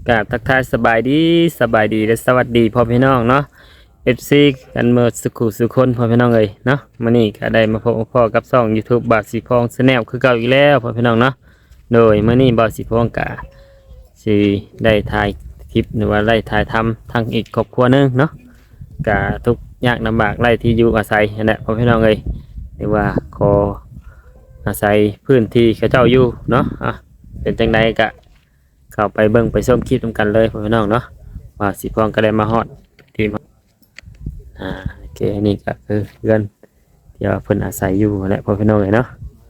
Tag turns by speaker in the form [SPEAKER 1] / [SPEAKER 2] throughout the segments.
[SPEAKER 1] กราบทักทายสบายดีและสวัสดีพ่อพี่น้องเนาะ FC กันเมื่อสุขคนพ่อพี่น้องเอ้ยเนาะมื้อนี้ก็ได้มาพบพ่อกับช่อง YouTube บาทสีพอง Channel คือเก่าอีกแล้วพ่อพี่น้องเนาะโดยมื้อนี้บาทสีพองก็สิได้ถ่ายคลิปหรือว่าได้ถ่ายทำทั้งอีกครอบครัวหนึงเนาะก็ทุกข์ยากลำบากไร่ที่อยู่อาศัยนั่นแหละพ่อพี่น้องเอ้ยหรือว่าขออาศัยพื้นที่เขาเจ้าอยู่เนาะเป็นจังไดก็เข้าไปเบิ่งไปชมคลิปนำกันเลยพ่อพี่น้องเนาะว่าสิพองก็ได้มาฮอดที่โอเคนี่ก็คือเพื่อนที่ว่าเพิ่นอาศัยอยู่แหละพ่อพี่น้องเอ้ยเนาะ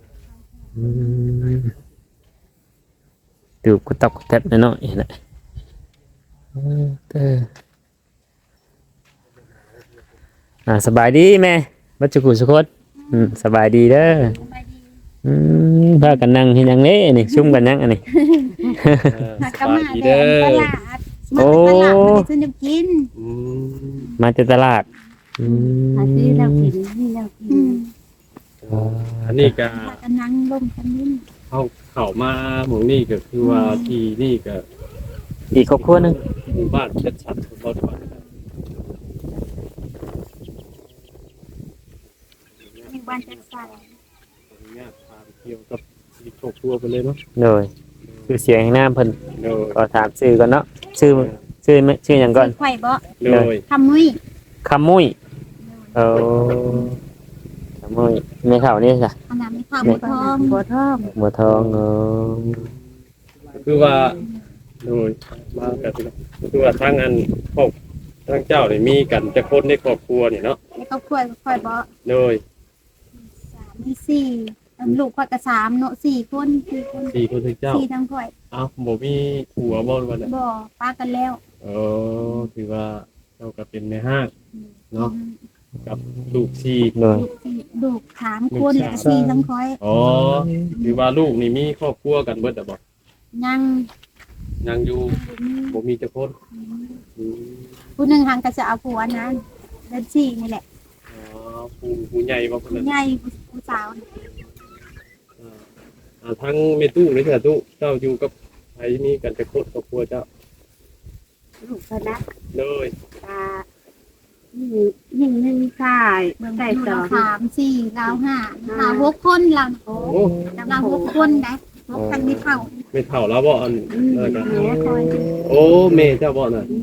[SPEAKER 1] ดูกุตับกุแทบน้อยๆแหละสบายดีแม่บัดจุกุสุคนสบายดีเด้อพากันนั่งเฮ็ดหยังเด้นี่ซุ่มกันยังอันนี้
[SPEAKER 2] สบายดีเด้อ
[SPEAKER 1] โอ้
[SPEAKER 2] มาซื้อน้ำกิน
[SPEAKER 1] มาจากตลาด
[SPEAKER 2] มาซื้อแล้วกินนี่แล้วกิน
[SPEAKER 3] อันนี้ก็
[SPEAKER 2] กันนั่งลมกันนี่
[SPEAKER 3] เข้ามาหมู่นี่ก็คือว่าที่นี่ก็
[SPEAKER 1] อีกครอบครัวนึง
[SPEAKER 3] หมู่บ้านชัดๆบ่ว่า
[SPEAKER 2] บ้านจัดสรร
[SPEAKER 3] เนี่ยพาไปเที่ยวกับที่ครอบครัวไปเลยเนาะ
[SPEAKER 1] โดยชื่อเสียงแห่งนามเพิ่น
[SPEAKER 3] โดย
[SPEAKER 1] ก็ถามชื่อก่อนเนาะชื่อหยังก่อน
[SPEAKER 2] ไข่บ่
[SPEAKER 3] โดย
[SPEAKER 2] คำมุ้ย
[SPEAKER 1] คำมุ้ยคำมุ้ยในข่าวนี่จ้ะ
[SPEAKER 2] อันนั้นมีข้าวบัวทอง
[SPEAKER 1] บัวทอง
[SPEAKER 3] คือว่าโดยมากันคือว่าทั้งอันครอบทั้งเจ้านี่มีกันแต่คนในครอบครัวนี่เนาะ
[SPEAKER 2] ในครอบครัวค่อยบ่
[SPEAKER 3] โดย
[SPEAKER 2] 3มี4ลูกค่อยก็3เนาะ4คน
[SPEAKER 3] 4คนทั้งเจ้า
[SPEAKER 2] 4ทั้งค่อย
[SPEAKER 3] บ่มีผัวบ่ว่าน่ะ
[SPEAKER 2] บ่ป้ากันแล้ว
[SPEAKER 3] คือว่าเราก็เป็นในห้างเนาะกับลูก
[SPEAKER 2] ลูก3คนแล้ว4ทั้งค่อย
[SPEAKER 3] คือว่าลูกนี่มีครอบครัวกันเบิดบ่
[SPEAKER 2] ยัง
[SPEAKER 3] อยู่บ่มีจักคน
[SPEAKER 2] ผู้นึงหังก็จะเอาผัวนั้นเดือน4นี่แหละ
[SPEAKER 3] ผู้ใหญ่บ่คนนั้น
[SPEAKER 2] ใหญ่ผู้สาว
[SPEAKER 3] ทั้งแม่ตู้นี่ค่ะตู้เจ้าอยู่กับไผมีกันจักคนครอบครัวเจ้า
[SPEAKER 2] ลูกเพิ่นนะ
[SPEAKER 3] เลย
[SPEAKER 2] 1ชายใส่2 3 4เรา5 6คนเราเรา6คนได้6คันไม่เท่า
[SPEAKER 3] แล้วบ่อันนั่นก็แม่เจ้าบ่น่ะ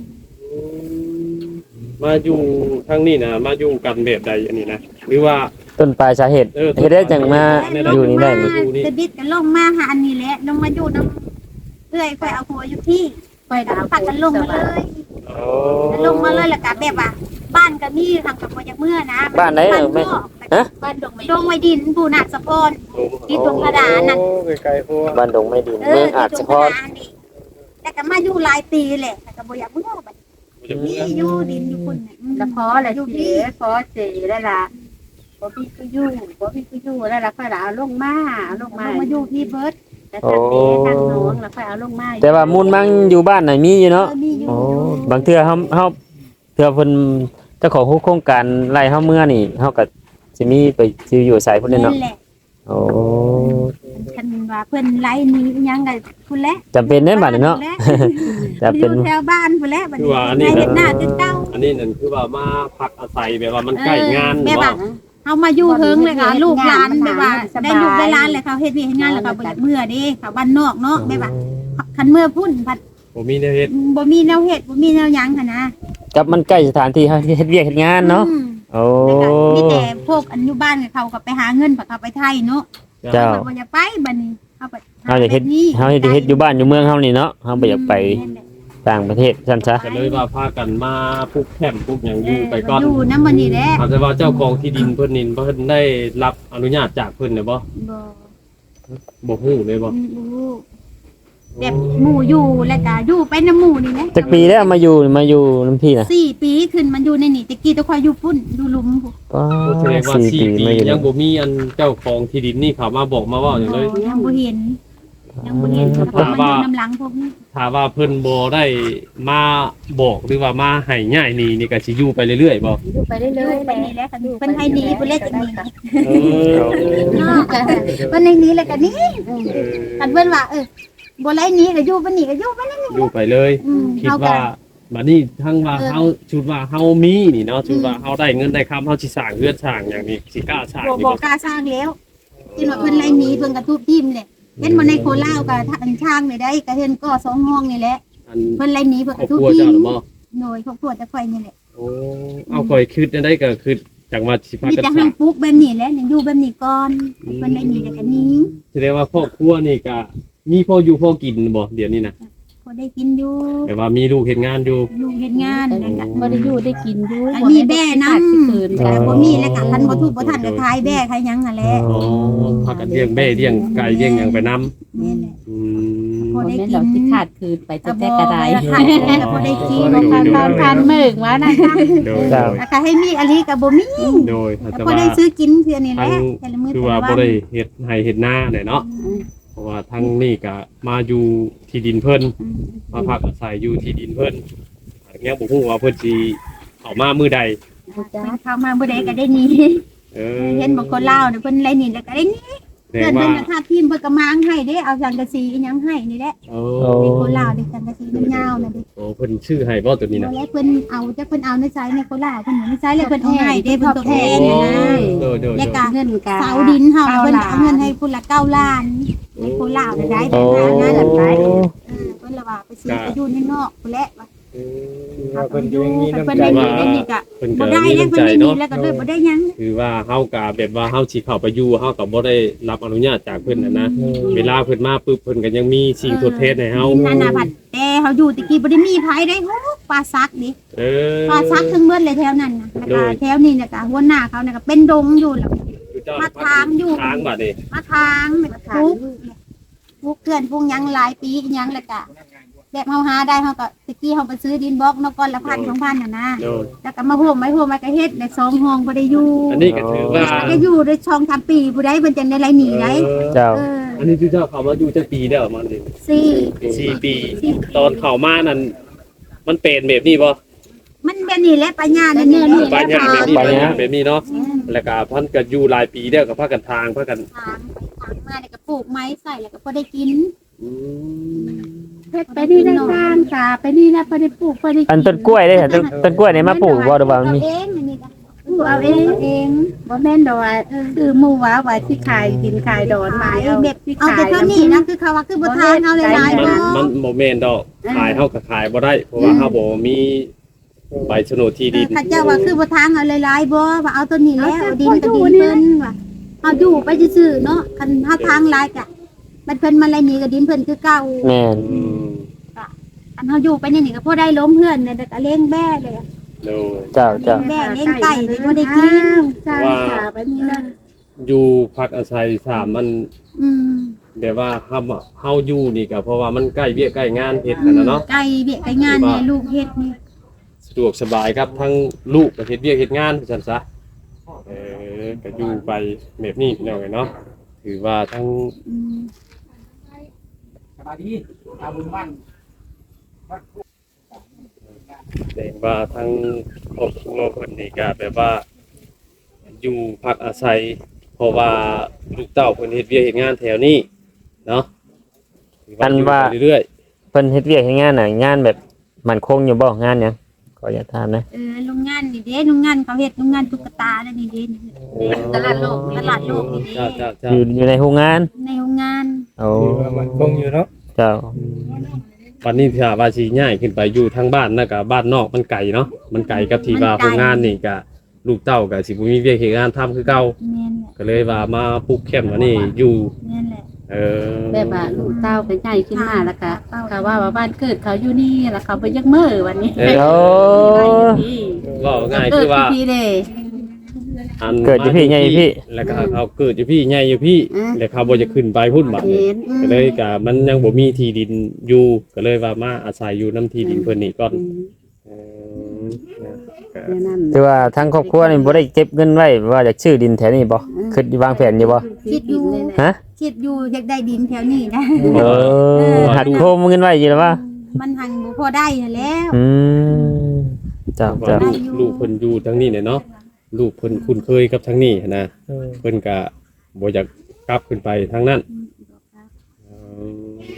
[SPEAKER 3] มาอยู่ทางนี้นะมาอยู่กันแบบใดอันนี้นะหรือว่า
[SPEAKER 1] ต้นปลายสาเหตุเฮ็ดได้จังมาอยู่นี่ได้
[SPEAKER 2] จะบิดกันลงมาหาอันนี้แหละลงมาอยู่นำเอื้อยค่อยเอาหัวอยู่ที่ค่อยเอาปักกันลงมาเลยลงมาเลยแล้วก็แบบว่าบ้านก็มีทางกับบ่อยากเมื่อนะ
[SPEAKER 1] บ้านไหนแม่
[SPEAKER 2] บ้านดงไม้ดินผู้นาสะพรที่ตรงกระดานนั่น
[SPEAKER 3] ไกลๆพวก
[SPEAKER 1] บ้านดงไม้ดินเมืองอาจสะพร
[SPEAKER 2] แต่ก็มาอยู่หลายปีแหละแต่ก็บ่อยากเมื่อบัดนี่อยู่ดินอยู่คน
[SPEAKER 4] ละขอละอยู่พี่ขอเจได้ล่ะบ่พี่ก็อยู่แล้วล่ะค่อยเอาลงมา
[SPEAKER 2] อยู่ที่เบิด
[SPEAKER 4] แต่ทางนี้ทางน้องแล้วค่อยเอาลงมา
[SPEAKER 1] แต่ว่ามูลมังอยู่บ้านน่ะมีอยู่เนาะบางเทื่อเฮาเทื่อเพิ่นเจ้าของโครงการไล่เฮาเมื่อนี่เฮาก็สิมีไปสิอยู่ไสพุ่นเนาะ
[SPEAKER 2] คันว่าเพิ่นไล่นี้ยังก็พุ่นแหละ
[SPEAKER 1] จำเป็นได้บัดนี้เนาะ
[SPEAKER 2] จะเป็นแถวบ้านพุ่นแหละบัดนี้เฮ็ดหน้าตึกเต้า
[SPEAKER 3] อันนี้นั่นคือว่ามาพักอาศัยแบบว่ามันใกล้งาน
[SPEAKER 2] แบบว่าเฮามาอยู่เฮิงเลยค่ะลูกหลานแบบว่าได้ลูกได้หลานแล้วเขาเฮ็ดเวียกเฮ็ดงานแล้วก็บ่อยากเมื่อเด้เขาบ้านนอกเนาะแบบว่าคันเมื่อพุ่นบัด
[SPEAKER 3] บ่มีแนวเฮ็ด
[SPEAKER 2] บ่มีแนวเฮ็ดบ่มีแนวหยังหั่นนะ
[SPEAKER 1] กับมันใกล้สถานที่เฮาเฮ็ดเวียกเฮ็ดงานเนาะ
[SPEAKER 2] มีแต่พวกอนุบาลเขาก็ไปหาเงินเขาไปไทยเนาะ
[SPEAKER 1] เจ้า
[SPEAKER 2] บ่อยากไปบัดนี้
[SPEAKER 1] เฮาอยากเฮ็ดอยู่บ้านอยู่เมืองเฮานี่เนาะเฮาบ่อยากไปต่างประเทศซั่นซะ
[SPEAKER 3] ก็เลยว่าพากันมาปลูกแคมป์ปลูกหยังอยู่ไปก่อน
[SPEAKER 2] อยู่นำบัดนี้แหละ
[SPEAKER 3] แต่ว่าเจ้าของที่ดินเพิ่นนี่เพิ่นได้รับอนุญาตจากเพิ่นได้บ่บ่ฮู้เลยบ่
[SPEAKER 2] แบบหมู่อยู่แล้วก็อยู่ไปนำหมู่นี่แหละ
[SPEAKER 1] จักปีแล้วมาอยู่นำพี่น่ะ
[SPEAKER 2] 4ปีขึ้นมันอยู่ในนี่ตะกี้ตะคอยอยู่พุ่นอยู่หลุม
[SPEAKER 3] พุ่นแสดงว่า4ปียังบ่มีอันเจ้าของที่ดินนี่เขามาบอกมาว่าหยังเลย
[SPEAKER 2] ยังบ่เห็นถ้า
[SPEAKER 3] ว่าเพิ่นบ่ได้มาบอกหรือว่ามาให้ง่ายนี่ก็สิอยู่ไปเรื่อยๆบ่
[SPEAKER 4] อยู่ไปเรื่อยๆ
[SPEAKER 2] ไปนี่แหละค่ะเพิ่นให้หนีเพิ่นเล่นจังนี้เพิ่นให้หนีแล้วก็นี่คันเพิ่นว่าบ่ไล่หนี้ก็อยู่บ่หนี้ก็อยู่ไปนั่น
[SPEAKER 3] อยู่ไปเลย คิดว่าบัดนี้ทั้งว่าเฮาชุดว่าเฮามีนี่เนาะชุดว่าเฮาได้เงินได้คำเฮาสิสร้างเรือนสร้างอย่างนี้สิกล้าสร้าง
[SPEAKER 2] บ่
[SPEAKER 3] นี่
[SPEAKER 2] บ่
[SPEAKER 3] บ่
[SPEAKER 2] กล้าสร้างแล้วที่ว่าเพิ่นไล่หนี้เพิ่นก็ทุบทิ่มแหละเห็นบ่ในโคราชก็ทางช่างนี่ได้ก็เห็นก็2ห้องนี่แหละ
[SPEAKER 3] อัน
[SPEAKER 2] เพิ่นไล่หนี้เพิ่น
[SPEAKER 3] คร
[SPEAKER 2] ก็
[SPEAKER 3] อบ
[SPEAKER 2] ทุบ
[SPEAKER 3] ครัว
[SPEAKER 2] ทิ่
[SPEAKER 3] เจ้าม หรือบ่
[SPEAKER 2] หน่วยครอบครัวจะค่อยนี่แหละ
[SPEAKER 3] โอ้เอาข่อยคิดได้ก็คือจังว่าสิพา
[SPEAKER 2] มี
[SPEAKER 3] กัน
[SPEAKER 2] แต่
[SPEAKER 3] ส
[SPEAKER 2] หั
[SPEAKER 3] ร้าง
[SPEAKER 2] งปลูกแบบนี้แหละยังอยู่แบบนี้ก่อนเพิ่นไล่หนี้แล้วก็หนี้
[SPEAKER 3] แสดงว่าครอบครัวนี่ก็มีพ่ออยู่พ่อกินบ่เดี๋ยวนี้นะ
[SPEAKER 2] พอได้กินอยู่
[SPEAKER 3] แต่ว่ามีลูกเฮ็ดงานอยู่
[SPEAKER 2] ลูกเฮ็ดงานแล้วก็
[SPEAKER 4] บ่ได้อยู่ได้กินอยู่
[SPEAKER 2] อันนี้แบ่นำ
[SPEAKER 4] คืน
[SPEAKER 2] แต่บ่มีแล้วก็คันบ่ทุบบ่ทันก็ขายแบ่ขายหยังนั่นแหละ
[SPEAKER 3] อ๋อพากันเลี้ยงแม่เลี้ยงไก่เลี้ยงหยังไปนํ
[SPEAKER 2] นี่แหละ
[SPEAKER 3] อื
[SPEAKER 2] พอ
[SPEAKER 3] ม
[SPEAKER 2] ได้
[SPEAKER 4] บ่แม่น
[SPEAKER 2] กิ
[SPEAKER 4] เรา
[SPEAKER 2] น
[SPEAKER 4] สิขาดคืนไปจะแต่กระได
[SPEAKER 2] ขาดแล้วพอได้กิน
[SPEAKER 4] พันมึกว่านะคะ
[SPEAKER 3] โดย
[SPEAKER 1] เจ้า
[SPEAKER 2] แล้วก็ให้มีอันนี้ก็บ่มี
[SPEAKER 3] โดย
[SPEAKER 2] แล้ว
[SPEAKER 3] แต่
[SPEAKER 2] พอ
[SPEAKER 3] ว่า
[SPEAKER 2] ได้ซื้อกินเทื่อนี่แห
[SPEAKER 3] ทั้
[SPEAKER 2] ละ
[SPEAKER 3] ง
[SPEAKER 2] แต่ละมื้อ
[SPEAKER 3] คือ
[SPEAKER 2] แต่
[SPEAKER 3] ว่า
[SPEAKER 2] ละ
[SPEAKER 3] บ่
[SPEAKER 2] วัน
[SPEAKER 3] ได้เฮ็ดให้เฮ็ดนาเนี่ยเนาะเพราะว่าทั้งนี่ก็มาอยู่ที่ดินเพิ่นมาพักอาศัยอยู่ที่ดินเพิ่นยังบ่ฮู้ว่าเพิ่นสิเข้ามามื้อใด
[SPEAKER 2] เพิ่นเข้ามาบ่ได้ก็ได้หนี่
[SPEAKER 3] เออ
[SPEAKER 2] เห็นบ่คนลาวเด้อเพิ่นไล่หนี่แล้วก็ได้หนี่
[SPEAKER 3] แสด
[SPEAKER 2] เพื่อน
[SPEAKER 3] งว่า
[SPEAKER 2] เพิ่นก็ทาทีมเพิ่นก็มางให้เด้เอาสังกะสีอีหยังให้นี่แหละ
[SPEAKER 3] โอ้
[SPEAKER 2] ในโคราชเด้สังกะสียาวๆน่ะเด้
[SPEAKER 3] โอ้เพิ่นชื่อให้บ่ตัวนี้นะ
[SPEAKER 2] แล้วเพิ่นเอาจักเพิ่นเอาในไซในโคราชเพิ่นอยู่ในไซเลยเพิ่นเอาให้เด้เพิ่นตกแทนนี่นะ
[SPEAKER 3] โดยโดย
[SPEAKER 2] แล้ว
[SPEAKER 3] โด
[SPEAKER 2] ก็
[SPEAKER 3] ย
[SPEAKER 4] เงินกา
[SPEAKER 2] เสาดินเฮาน่ะเพิ่นเอาเงินให้พุ่นละ9ล้านในโคราชได้
[SPEAKER 1] โอ้
[SPEAKER 2] ได้นะไปเพิ่นละว่าไปซื้อไปอยู่ในนอกพุ่นแหละว่า
[SPEAKER 5] ว่าเพิ่นอยู่มีน้ำ
[SPEAKER 2] เพิ่น
[SPEAKER 5] ใจ
[SPEAKER 2] ได้นี่ได้นี่ก็
[SPEAKER 3] เพิ่น
[SPEAKER 2] บ่
[SPEAKER 3] ก็
[SPEAKER 2] ได้
[SPEAKER 3] มี
[SPEAKER 2] แล้ว
[SPEAKER 3] น้ำ
[SPEAKER 2] เพิ่น
[SPEAKER 3] ใจ
[SPEAKER 2] ได้นี่
[SPEAKER 3] เนาะ
[SPEAKER 2] แล้วก็เลยบ่ได้หยัง
[SPEAKER 3] คือว่าเฮาก็แบบว่าเฮาสิเข้าไปอยู่เฮาก็บ่ได้รับอนุญาตจากเพิ่นนะเวลาเพิ่นมาปุ๊บเพิ่นก็ยังมีสิ่งทดแทนให้เฮา
[SPEAKER 2] นานาผัดแต่เฮาอยู่ตะกี้บ่ได้มีไผได้โหปลาซักดิ
[SPEAKER 3] เออ
[SPEAKER 2] ปลาซักทั้งเบิดเลยแถวนั้นน่ะแล้วก็แถวนี้เนี่ยก็หัวหน้าเขาเนี่ยก็เป็นดงอยู่แล้ว มาทางอยู่
[SPEAKER 3] ทางบัดนี้
[SPEAKER 2] มาทางทุกเพื่อนพวกหยังหลายปีอีหยังแล้วก็แบบเฮาหาได้เฮาก็ตะกี้เฮาไปซื้อดินบล็อกเนาะก้อนละ1,000 2,000น่ะนะ
[SPEAKER 3] โดย
[SPEAKER 2] แล้วก็มาโฮมไว้ก็เฮ็ดได้2ห้องบ่ได้อยู่
[SPEAKER 3] อันนี้ก็ถือว่า
[SPEAKER 2] ก็อยู่ได้ช่อง3ปีผู้ใดเพิ่นจังได้ไล่หนีได้
[SPEAKER 1] เจ้า
[SPEAKER 2] เออ
[SPEAKER 3] อันนี้ที่เจ้าเข้ามาอยู่จักปีแล้วมันนี่
[SPEAKER 2] 4
[SPEAKER 3] 4 ปี ตอนเข้ามานั้นมันเป็นแบบนี้บ่
[SPEAKER 2] มันแบบนี้แหละปัญญาเนี่ยนี่
[SPEAKER 3] ปัญญาแบบนี้
[SPEAKER 1] ปัญญา
[SPEAKER 3] แบบนี้เนาะแล้วก็เพิ่นก็อยู่หลายปีแล้วก็พากันทางพากัน
[SPEAKER 2] ทางมาเนี่ยก็ปลูกไม้ใส่แล้วก็พอได้กิน
[SPEAKER 3] อืม
[SPEAKER 4] เฮ็ดไปนี่ได้สร้างกาไปนี่นะบ่ได้ปลูกบ่ได้
[SPEAKER 1] อันต้นกล้วยเด้ค่ะต้นกล้วยนี่มาปลูกบ่หรือว่ามันมี
[SPEAKER 2] เองอันนี้ก็
[SPEAKER 4] ปลูกเอาเองบ่แม่นดอกว่าคือหมู่ว่าที่ขายกินขายดอนไม้เอา
[SPEAKER 2] แบบ
[SPEAKER 4] ที่
[SPEAKER 2] เอา
[SPEAKER 4] ขาย
[SPEAKER 2] แต่เท่านี้นะคือเขาว่าคือบ่ทานเอาหลายๆ
[SPEAKER 3] มัน
[SPEAKER 2] บ่
[SPEAKER 3] มันบ่แม่นดอกขายเฮาก็ขายบ่ได้ เพราะว่าเฮาบ่มีใบโฉนดที่ดิน
[SPEAKER 2] ข้าเจ้าว่าคือบ่ทานเอาหลายๆบ่ว่าเอาตัวนี้แล้วเอาดินก็ดินเพิ่นว่าเอาอยู่ไปซื่อๆเนาะคันเฮาทางหลายก็มันเพิ่นมาไล่หนีก็ดินเพิ่นคือเก่า
[SPEAKER 1] แม่น
[SPEAKER 3] อืม
[SPEAKER 2] อันเฮาอยู่ไปนี่นี่ก็พอได้ล้มเพื่อนเนี่ยแต่ก็เลี้ยงแบ่เลย
[SPEAKER 3] โดย
[SPEAKER 1] เจ้าเจ้า
[SPEAKER 2] แบ่เลี้ยงไก่นี่บ่ได้กิน
[SPEAKER 4] สร้างกาไปนี่นะ
[SPEAKER 3] อยู่พักอาศัยสามมัน
[SPEAKER 2] อืม
[SPEAKER 3] แบบว่าเฮาอยู่นี่ก็เพราะว่ามันใกล้เวียกใกล้งานเฮ็ดกันนะเนาะ
[SPEAKER 2] ไก่เบี้ยไก่งานเนี่ยลูกเฮ็ดนี่
[SPEAKER 3] สะดวกสบายครับทั้งลูกก็เฮ็ดเวียกเฮ็ดงานซั่นซะก็อยู่ไปแบบนี้พี่น้องเนาะถือว่าทั้ง
[SPEAKER 2] อืม
[SPEAKER 5] สบายดีอาบุญบ้าน
[SPEAKER 3] แสดงว่าทั้งครอบครัวเพิ่นนี่ก็แบบว่า อยู่พักอาศัย เพราะว่าลูกเต้าเพิ่นเฮ็ดเวียกเฮ็ดงานแถวนี้เนาะถืว่าอยู่ไปเรื่อย
[SPEAKER 1] เพิ่นเฮ็ดเวียกเฮ็ดงานน่ะงานแบบมั่นคงอยู่บ่งานหยังขออย่าถามนะ
[SPEAKER 2] โรงงานนี่เด้โรงงานเขาเฮ็ดโรงงานตุ๊กตาแล้วนี่เด้ตลาดโลกนี่ตลาดโลกนี่เด้
[SPEAKER 3] จ้า
[SPEAKER 1] อยู่ในโรงงาน
[SPEAKER 2] ในโรงงาน
[SPEAKER 1] โอ้
[SPEAKER 5] คือว่ามันคงอยู่เนาะ
[SPEAKER 1] เจ้า
[SPEAKER 3] วันนี้ถ้าว่าสิย้ายขึ้นไปอยู่ทางบ้านน่ะก็บ้านนอกมันไกลเนาะมันไกลกับที่ว่าโรงงานนี่ก็ลูกเต้าก็สิบ่มีเวียกเฮ็ดงานทำคือเก่า
[SPEAKER 2] แม่นแหละ
[SPEAKER 3] ก็เลยว่ามาปลูกแคมป์มานี่อยู่
[SPEAKER 2] แม่นแหละ
[SPEAKER 4] แบบว่าลูกเต้าเป็นใหญ่ขึ้นมาแล้วก็เขาว่าบ้านเกิดเขาอยู่นี่แล้วเขาไปยักมื้อวันนี้
[SPEAKER 1] โอ้
[SPEAKER 3] ว่าง่ายคือว่า
[SPEAKER 4] พี่เด้
[SPEAKER 3] อัน
[SPEAKER 1] เกิดอยู่พี่ใหญ่อยู่พี่
[SPEAKER 3] แล้วก็เขาเกิดอยู่พี่ใหญ่อยู่พี่แล้วเขาบ่จะขึ้นไปพุ่นบัดนี้
[SPEAKER 4] เห็น
[SPEAKER 3] ก็เลยก็มันยังบ่มีที่ดินอยู่ก็เลยว่ามาอาศัยอยู่น้ำที่ดินเพิ่นนี่ก่อนก็
[SPEAKER 4] นั่น
[SPEAKER 1] คือว่าทางครอบครัวนี่บ่ได้เก็บเงินไว้ว่าจะชื่อดินแถวนี้บ่คิดวางแผนอยู่บ่
[SPEAKER 2] คิดอยู่
[SPEAKER 1] ฮะ
[SPEAKER 2] คิดอยู่อยากได้ดินแถวนี้นะ
[SPEAKER 1] เออหัดโคมเงินไว้อยู่แล้วว่า
[SPEAKER 2] มันหังบ่พอได้นั่นแล้ว
[SPEAKER 1] อืมเจ้า
[SPEAKER 3] ว่า
[SPEAKER 1] เจ้า
[SPEAKER 3] ลูกเพิ่นอยู่ทั้งนี้เนี่ยเนาะลูกเพิ่นคุ้นเคยกับทั้งนี้นะเพิ่นก็บ่อยากกลับขึ้นไปทางนั้น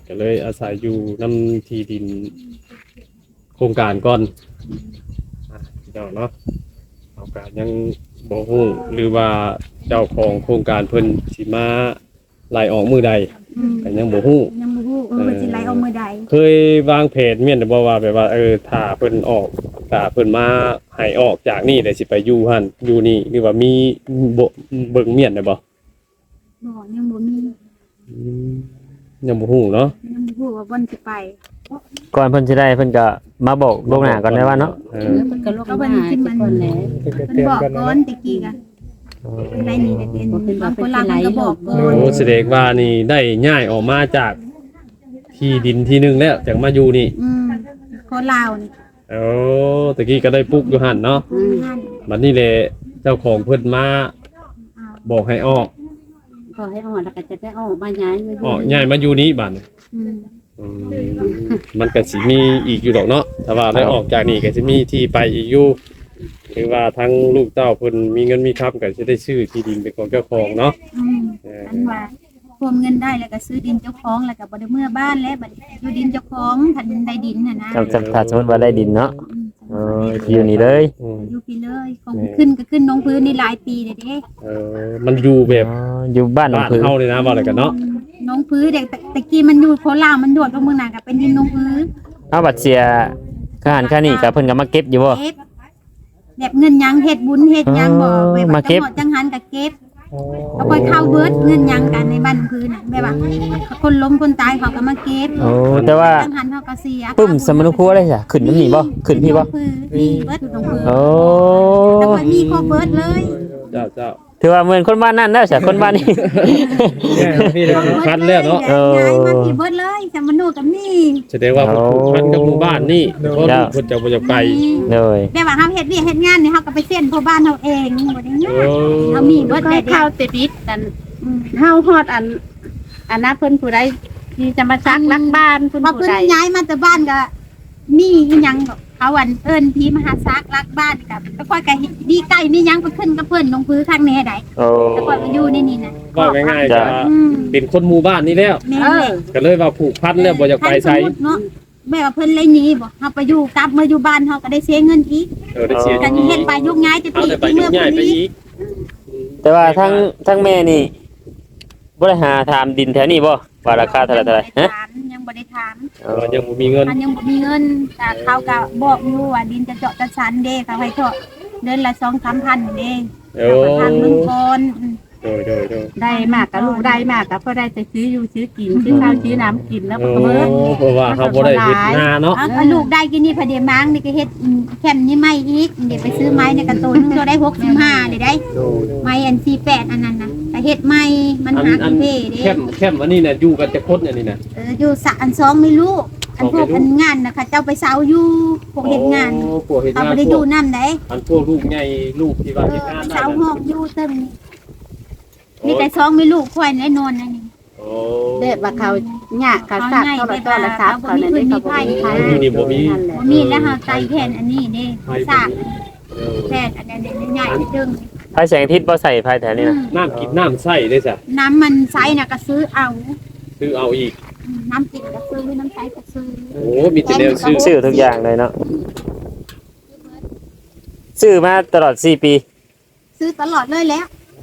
[SPEAKER 3] ก็เลยอาศัยอยู่น้ำที่ดินโครงการก่อนพี่น้องเนาะเอาการยังบ่ฮู้หรือว่าเจ้าของโครงการเพิ่นสิมาไล่ออกมื้อใดก็ยังบ่ฮู้
[SPEAKER 2] ยังบ่ฮู้ว่าสิไล่เอามือใด
[SPEAKER 3] เคยวางแผนเมียนบ่ว่าแบบว่าถ้าเพิ่นออกถ้าเพิ่นมาให้ออกจากนี่ได้สิไปอยู่หั่นอยู่นี่หรือว่ามีบ่เบิ่งเมียนได้บ่
[SPEAKER 2] บ่ยังบ่มี
[SPEAKER 3] ยังบ่ฮู้เนาะ
[SPEAKER 2] ยังบ่ฮู้ว่าบ่นสิไป
[SPEAKER 1] ก่อนเพิ่นสิได้เพิ่นก็มาบอกล่วงหน้าก่อนได้ว่าเนาะ
[SPEAKER 4] มันก็ลงมาให้ทุกคนแหละ
[SPEAKER 2] เพิ่นบอกก่อนตะกี้ก็เพิ่นไล่หนีได้เป็นบางคนลาวมันก็บอกก่อน
[SPEAKER 3] โอ้แสดงว่านี่ได้ย้ายออกมาจากที่ดินที่หนึงแล้วจากมาอยู่นี่
[SPEAKER 2] คนลาวนี่
[SPEAKER 3] โอ้ตะกี้ก็ได้ปลูกอยู่หั่นเนาะ
[SPEAKER 2] นั่น
[SPEAKER 3] บัดนี้แหละเจ้าของเพิ่นมาบอกให้ออก
[SPEAKER 4] พอให้ออกแล้วก็จะได้ออกมาย้ายมา
[SPEAKER 3] ออกย้ายมาอยู่นี้บัดนี้
[SPEAKER 2] อืม
[SPEAKER 3] มันก็สิมีอีกอยู่ดอกเนาะถ้าว่าได้ออกจากนี่ก็สิมีที่ไปอีกอยู่หรือว่าทั้งลูกเต้าเพิ่นมีเงินมีคำก็สิได้ซื้อที่ดินเป็นของเจ้าของเนาะ
[SPEAKER 2] อันว่าพวมเงินได้แล้วก็ซื้อดินเจ้าของแล้วก็บ่ได้เมื่อบ้านแล้วบัดอยู่ดินเจ้าของทันได้ดินน่ะนะ
[SPEAKER 1] ถ้าสมมุติว่าได้ดินเนาะอยู่นี่เลย
[SPEAKER 2] อยู่พี่เลยของขึ้นก็ขึ้นลงพื้นนี่หลายปีเลยเด้
[SPEAKER 3] มันอยู่แบบ
[SPEAKER 1] อยู่บ้านหนอง
[SPEAKER 3] บ้าน
[SPEAKER 1] ผือ
[SPEAKER 3] เฮาเลยนะว่าอะไรกันเนาะ
[SPEAKER 2] น้องพื้นเด็กตะกี้มันอยู่โคราชมันโดดลงเมืองน่ะก็เป็นดินน้องพื้น
[SPEAKER 1] เอาบัตรเสียค่าอาหารค่านี่ก็เพิ่นก็มาเก็บอยู่บ่
[SPEAKER 2] เก็บแบบเงินยังเฮ็ดบุญเฮ็ดยังบ่แบบ
[SPEAKER 1] มาเก็บ
[SPEAKER 2] จังหันก็เก็บแล้วค่อยเข้าเบิดเงินยังกันในบ้านพื้นน่ะแบบว่าคนล้มคนตายเขาก็มาเก็บ
[SPEAKER 1] โอ้แต่ว่า
[SPEAKER 2] จังหันเขาก็เสีย
[SPEAKER 1] ปึ้มสมนุครัวได้จ้ะขึ้นน้ำนี่บ่ขึ้นพี่บ่
[SPEAKER 2] มีเบิดอยู่ตรงพื้น
[SPEAKER 1] โอ้
[SPEAKER 2] แต่ว่ามีครบเบิดเลย
[SPEAKER 3] เจ้าเจ้า
[SPEAKER 1] ถือว่าเหมือนคนบ้านนั่นแล้วจ้ะคนบ้านนี้
[SPEAKER 3] พี่เด้อพันแล้วเนาะ
[SPEAKER 2] ย้ายมาที่เบิดเลยสมนุกับมี
[SPEAKER 3] แสดงว่าผูกพันกับหมู่บ้านนี่เพราะลูกเพิ่นจะบ่จะไป
[SPEAKER 1] เลย
[SPEAKER 2] แต่ว่าเฮาเฮ็ดเวียกเฮ็ดงานนี่เฮาก็ไปเส้นพ่อบ้านเฮาเองบ่ได้ยากเฮามีเบิด
[SPEAKER 4] ก็
[SPEAKER 2] ได้
[SPEAKER 4] ให้
[SPEAKER 2] เดีย
[SPEAKER 4] ข้าว วติดนิดกันเฮาฮอดอันนั้นเพิ่นผู้ใดที่จะมาซักลักบ้านเพิ่น
[SPEAKER 2] ว่า
[SPEAKER 4] ผู้
[SPEAKER 2] เพิ่น
[SPEAKER 4] ใด
[SPEAKER 2] ย้ายมาแต่บ้านก็มีอีหยังแบบเขาอันเอิ้นพี่มหาซักรักบ้านกับแล้วค่อยก็ดีใกล้มีหยังไปขึ้นกับเพิ่นลงพื้นข้างแน่ใด
[SPEAKER 1] โอ้
[SPEAKER 2] แล้วค่อยมาอยู่ในนี่น่ะ
[SPEAKER 3] ว่าง่ายๆจะ
[SPEAKER 2] อืม
[SPEAKER 3] เป็นคนหมู่บ้านนี่แล้ว
[SPEAKER 2] แม่
[SPEAKER 4] เอ
[SPEAKER 2] เล
[SPEAKER 4] อย
[SPEAKER 3] ก็เลยว่าผูกพันแล้วบ่จะไปไส
[SPEAKER 2] สมมุติเนาะแม่ว่าเพิ่นเลยหนีบ่เฮาไปอยู่กลับมาอยู่บ้านเฮาก็ได้เสียเงินอีก
[SPEAKER 3] ได้เสีย
[SPEAKER 2] กันเฮ็ดไปยุกย้ายจะ
[SPEAKER 3] เอา
[SPEAKER 2] ตี
[SPEAKER 3] แต่ไป
[SPEAKER 2] ที่
[SPEAKER 3] ยุ่
[SPEAKER 2] เมือง ง
[SPEAKER 3] ใหญ่
[SPEAKER 2] พุ่น
[SPEAKER 3] ไป
[SPEAKER 2] นี้
[SPEAKER 3] อีก
[SPEAKER 1] แต่ว่าทั้งแม่นี่บ่ได้หาถามดินแถวนี้บ่ว่าราคาเท่าไหร่ฮะ
[SPEAKER 2] ยังบ่ได้ถาม
[SPEAKER 3] ว่ายังบ่มีเงิน
[SPEAKER 2] มันยังบ่มีเงินแต่เขาก็บอกอยู่ว่าดินจะเจาะจะชันเด้เขาให้เจาะเดือนละ 2-3 พันเด้
[SPEAKER 3] โอ้
[SPEAKER 2] เขาก็ทางเมืองก่อน
[SPEAKER 3] โดย
[SPEAKER 4] ได้มากกับลูกได้มากกับพ่อได้แต่ซื้ออยู่ซื้อกินซื้อข้าวซื้อน้ำกินแล้วก็เบิด
[SPEAKER 3] เพราะว่าเขาบ่ได้เฮ็ดนาเนาะ
[SPEAKER 2] เอาลูกได้กินนี่พอดีมั้งนี่ก็เฮ็ดแคมนี่ไม่อีกเดี๋ยวไปซื้อไม้ในกระตูนนึงตัวได้65เลยได้ไม้อัน48อันนั้นน่ะแต่เฮ็ดไม้มันหา
[SPEAKER 3] อัน
[SPEAKER 2] เท่เด้
[SPEAKER 3] แคมอันนี้น่ะอยู่กันจะคนอันนี้น่ะ
[SPEAKER 2] อยู่สะอัน2ไม่รู้อันพวกอันงานน่ะค่ะเจ้าไปเซาอยู่พวกเฮ็ดงาน
[SPEAKER 3] โอ้พวกเฮ็ด
[SPEAKER 2] เขา
[SPEAKER 3] งาน
[SPEAKER 2] บ่ได้อยู่นำได้
[SPEAKER 3] อันพวกลูกใหญ่ลูกที่ว่าเฮ็ดงาน
[SPEAKER 2] ไป
[SPEAKER 3] ได้
[SPEAKER 2] เซาห้องอยู่เต็มมีแต่2ไม่รู้ควายแน่นอนนั่นนี่
[SPEAKER 3] โอ้
[SPEAKER 4] เด็กว่าเขาเนี่ยเขาซักเขาละตัวละซับเขาเนี่ยเขาบ่มีใคร
[SPEAKER 2] บ่มีแล้วเฮาใส่แผ่นอันนี้เด้สร้างแผ่นอันนี้ใหญ่ๆดึง
[SPEAKER 1] ไฟแสงอาทิตย์บ่ใส่ไฟแถวนี้นะ
[SPEAKER 3] น้ำกินน้ำใส่ได้จ้ะ
[SPEAKER 2] น้ำมันใสน่ะก็ซื้อเอา
[SPEAKER 3] ซื้อเอาอีก
[SPEAKER 2] น้ำกินก็ซื้อน้ำใสก็ซื้อ
[SPEAKER 3] โอ้มีแต่แนวซื้อ
[SPEAKER 1] ซื้อทุกอย่างเลยเนาะซื้อมาตลอด4 ปี
[SPEAKER 2] ซื้อตลอดเลยแล้ว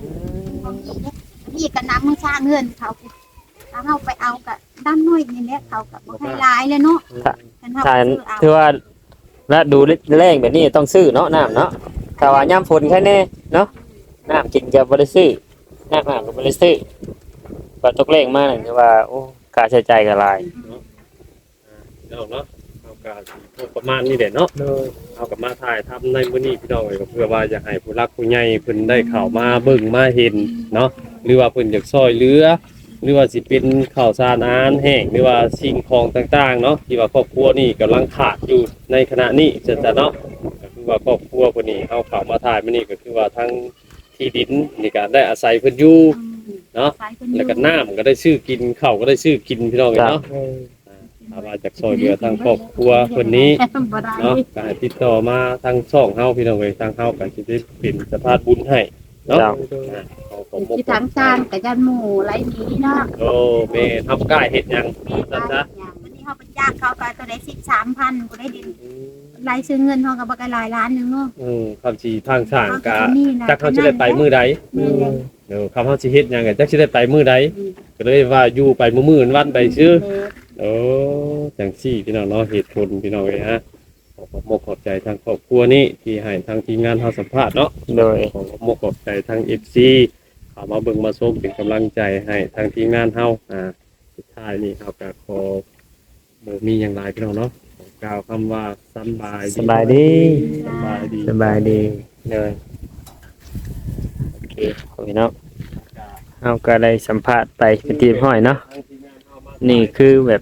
[SPEAKER 2] นี่ก็น้ำมันสร้างเงินเขาถ้าเฮาไปเอาก็ด้านน้อยนี่แหละเขาก็บ่ให้หลายเลยเนาะกันเฮา
[SPEAKER 1] ถ้า
[SPEAKER 2] ซื้อเอา
[SPEAKER 1] ถือว่าฤดูแล้งแบบนี้ต้องซื้อเนาะน้ำเนาะถ้าว่ายามฝนแค่นี้เนาะน้ำกินก็บ่ได้ซื้อน้ำอาบก็บ่ได้ซื้อว่าตกแรงมานี่ถือว่าโอ้ค่าใช้จ่ายก็หลาย
[SPEAKER 3] เนาะเอาการประมาณนี้แหละเนาะเอากับมาถ่ายทำในมื้อนี้พี่น้องก็เพื่อว่าอยากให้ผู้รักผู้ใหญ่เพิ่นได้เข้ามาเบิ่งมาเห็นเนาะหรือว่าเพิ่นอยากช่วยเหลือหรือว่าสิเป็นข้าวสารอาหารแห้งหรือว่าสิ่งของต่างๆเนาะที่ว่าครอบครัวนี่กำลังขาดอยู่ในขณะนี้จะเนาะก็คือว่าครอบครัวคนนี้เอาเข้ามาถ่ายมื้อนี้ก็คือว่าทั้งที่ดินนี่ก็ได้อาศัยเพิ่นอยู่เนาะ
[SPEAKER 2] ใส่เพิ่นอยู่
[SPEAKER 3] แล้วก็น้ำก็ได้ซื้อกินข้าวก็ได้ซื้อกินพี่น้องเนาะถ้าว่าจากซอยเหลือทางครอบครัวคนนี้
[SPEAKER 4] บ่ได้
[SPEAKER 3] เนาะก็ให้ติดต่อมาทางช่องเฮาพี่น้องเอ้ยทางเฮาก็สิได้เป็นสะพานบุญให้เนาะ
[SPEAKER 1] เจ้า
[SPEAKER 3] ขอขผมมก
[SPEAKER 4] ที่ทางสร้างกับยันหมู่ไรนี้เนาะ
[SPEAKER 3] โอ้แม่ทำกล้าเฮ็ดหยัง
[SPEAKER 2] แม่
[SPEAKER 3] ซั่น
[SPEAKER 2] ก็
[SPEAKER 3] ซะ
[SPEAKER 2] วันนี้เขาไปจ้างเขาก็ตัวได้13,000บ่ได้ดินรายซื้อเงินเขาก็บ่ก็หลายล้านนึงเนาะ
[SPEAKER 3] คำสิทางสร้างกะ
[SPEAKER 2] นี่นะ
[SPEAKER 3] จักเขาสิได้ไปมื้อใด
[SPEAKER 2] แม่นเลย
[SPEAKER 3] เดี๋ยวคำเขาสิเฮ็ดหยังก็จักสิได้ไปมื้อใดก็เลยว่าอยู่ไปมื้อๆวันไปซื่อ โอ้จังซี่พี่น้องเนาะเหตุผลพี่น้องเลยฮะขอขอบมกขอบใจทางครอบครัวนี้ที่ให้ทางทีมงานเฮาสัมภาษณ์เนาะ
[SPEAKER 1] โดย
[SPEAKER 3] ขอขอบมกขอบใจทาง FC เข้ามาเบิ่งมาชมเป็นกำลังใจให้ทางทีมงานเฮาสุดท้ายนี้เฮาก็ขอบ่มีหยังหลายพี่น้องเนาะขอกล่าวคำว่าสำบาย
[SPEAKER 1] สบายดี
[SPEAKER 3] สบายดี
[SPEAKER 1] สบายดีเลยโอเคพี่น้องเอาก็ได้สัมภาษณ์ไปเป็นทีมห้อยเนาะนี่คือแบบ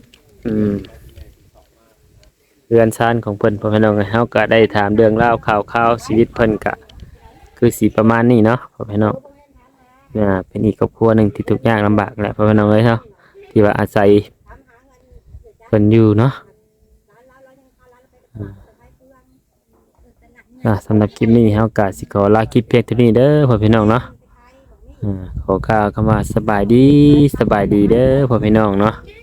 [SPEAKER 1] เรือนซานของเพิ่นพ่อพี่น้องเฮาก็ได้ถามเรื่องราวข่าวชีวิตเพิ่นก็คือสีประมาณนี้เนาะพ่อพี่น้องเป็นอีกครอบครัวหนึงที่ทุกข์ยากลำบากแหละพ่อพี่น้องเอ้ยเนาะที่ว่าอาศัยเพิ่นอยู่เนาะสำหรับคลิปนี้เฮาก็สิขอลาคลิปเพียงเท่านี้เด้อพ่อพี่น้องเนาะขอกล่าวคำว่าสบายดีเด้อพ่อพี่น้องเนาะ